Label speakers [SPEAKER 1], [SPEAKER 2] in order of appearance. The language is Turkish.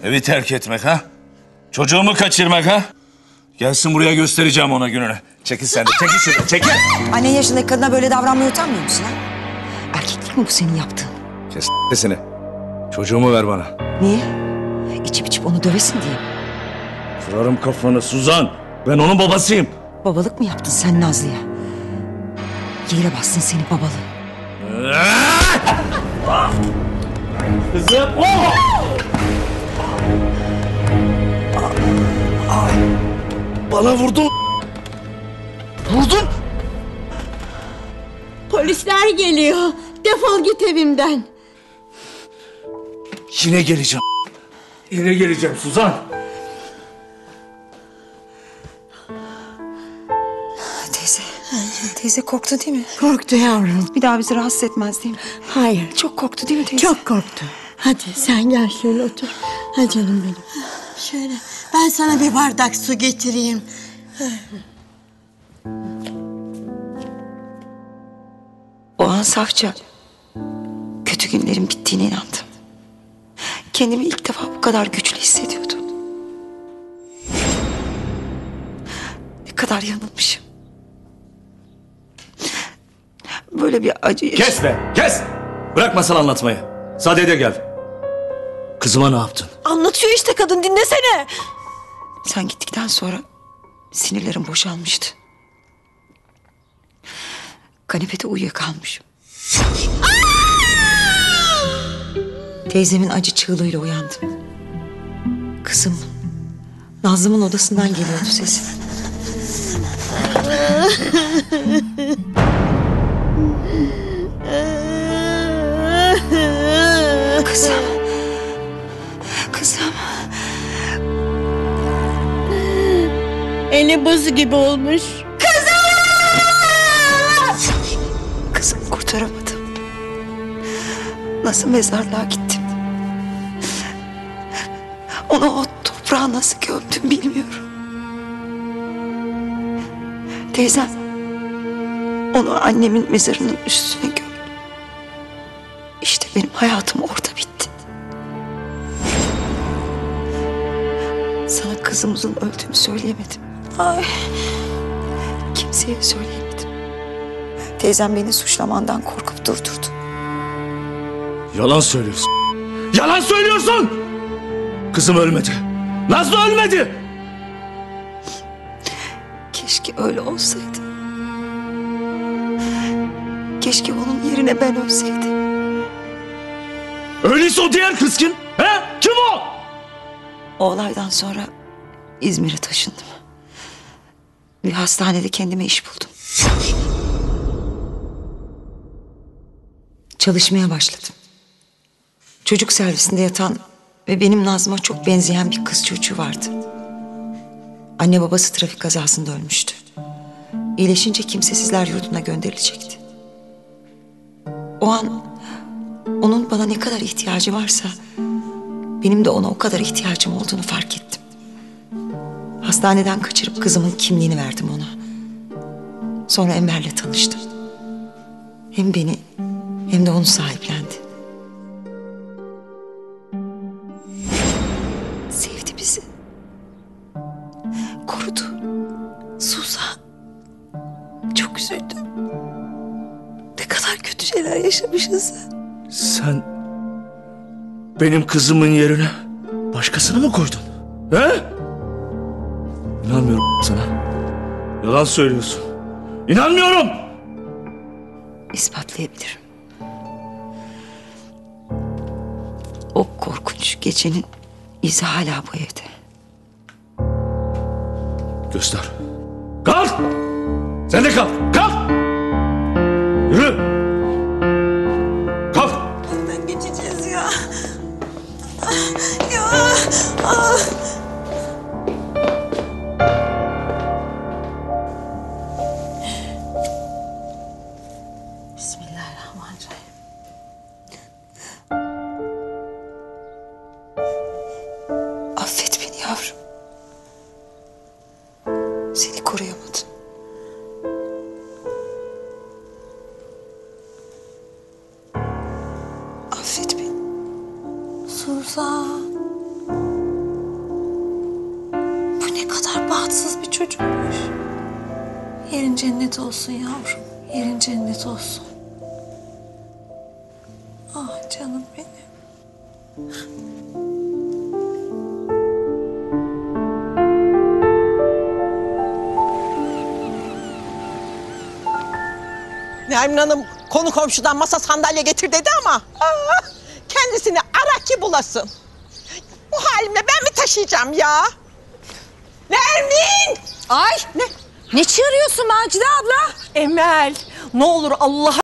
[SPEAKER 1] Evi terk etmek ha? Çocuğumu kaçırmak ha? Gelsin buraya göstereceğim ona gününü. Çekil sen de, çekil şuradan, çekil.
[SPEAKER 2] Annen yaşındaki kadına böyle davranmaya utanmıyor musun ha? Erkeklik mi bu senin yaptığın?
[SPEAKER 1] Kes sesini. Çocuğumu ver bana.
[SPEAKER 2] Niye? İçip onu dövesin diye mi?
[SPEAKER 1] Kırarım kafanı Suzan. Ben onun babasıyım.
[SPEAKER 2] Babalık mı yaptın sen Nazlı'ya? Yere bastın seni babalığı.
[SPEAKER 1] Kızım. Bana vurdun. Vurdun.
[SPEAKER 3] Polisler geliyor. Defol git evimden.
[SPEAKER 1] Yine geleceğim. Yine geleceğim Suzan.
[SPEAKER 2] Teyze korktu değil mi?
[SPEAKER 3] Korktu yavrum.
[SPEAKER 2] Bir daha bizi rahatsız etmez değil mi?
[SPEAKER 3] Hayır.
[SPEAKER 2] Çok korktu değil mi teyze?
[SPEAKER 3] Çok korktu. Hadi sen gel şöyle otur. Hadi canım benim. Şöyle ben sana bir bardak su getireyim.
[SPEAKER 2] O an safça kötü günlerin bittiğine inandım. Kendimi ilk defa bu kadar güçlü hissediyordum. Ne kadar yanılmışım. Böyle bir acı...
[SPEAKER 1] Kes be, kes! Bırak masal anlatmayı. Sadede gel. Kızıma ne yaptın?
[SPEAKER 3] Anlatıyor işte kadın, dinlesene.
[SPEAKER 2] Sen gittikten sonra sinirlerim boşalmıştı. Kanepede uyuyakalmışım. Teyzemin acı çığlığıyla uyandım. Kızım, Nazlı'mın odasından geliyordu sesi. Kızım. Kızım.
[SPEAKER 3] Eli buz gibi olmuş.
[SPEAKER 2] Kızımı kurtaramadım. Nasıl mezarlığa gittim. Onu o toprağa nasıl gömdüm bilmiyorum. Teyzem onu annemin mezarının üstüne gömdü. İşte benim hayatım orada bitti. Sana kızımızın öldüğünü söyleyemedim. Ay. Kimseye söyleyemedim. Teyzem beni suçlamandan korkup durdurdu.
[SPEAKER 1] Yalan söylüyorsun. Yalan söylüyorsun! Kızım ölmedi. Nazlı ölmedi.
[SPEAKER 2] Keşke öyle olsaydı. Keşke onun yerine ben ölseydim.
[SPEAKER 1] Öyleyse o diğer kız kim? He? Kim o?
[SPEAKER 2] O olaydan sonra İzmir'e taşındım. Bir hastanede kendime iş buldum. Çalışmaya başladım. Çocuk servisinde yatan ve benim Nazlı'ma çok benzeyen bir kız çocuğu vardı. Anne babası trafik kazasında ölmüştü. İyileşince kimsesizler yurduna gönderilecekti. O an onun bana ne kadar ihtiyacı varsa benim de ona o kadar ihtiyacım olduğunu fark ettim. Hastaneden kaçırıp kızımın kimliğini verdim ona. Sonra Enver'le tanıştım. Hem beni hem de onu sahiplendi. Sevdi bizi. Korudu.
[SPEAKER 3] Suzan. Çok üzüldüm. Ne kadar kötü şeyler yaşamışız.
[SPEAKER 1] Sen benim kızımın yerine başkasını mı koydun? He? İnanmıyorum sana. Yalan söylüyorsun. İnanmıyorum.
[SPEAKER 2] İspatlayabilirim. O korkunç gecenin izi hala bu evde.
[SPEAKER 1] Göster. Kalk! Sen de kalk. Kalk! Yürü! Kalk!
[SPEAKER 3] Nereden geçeceğiz ya? Ya! Ah! Bismillahirrahmanirrahim.
[SPEAKER 2] Affet beni yavrum. Seni koruyamadım. Affet beni.
[SPEAKER 3] Suzan.
[SPEAKER 4] Yerin cennet olsun yavrum. Yerin cennet olsun. Ah canım benim.
[SPEAKER 5] Nermin Hanım konu komşudan masa sandalye getir dedi ama kendisini ara ki bulasın. Bu halimle ben mi taşıyacağım ya? Nermin!
[SPEAKER 6] Ay! Ne çığırıyorsun Macide abla?
[SPEAKER 5] Emel, ne olur Allah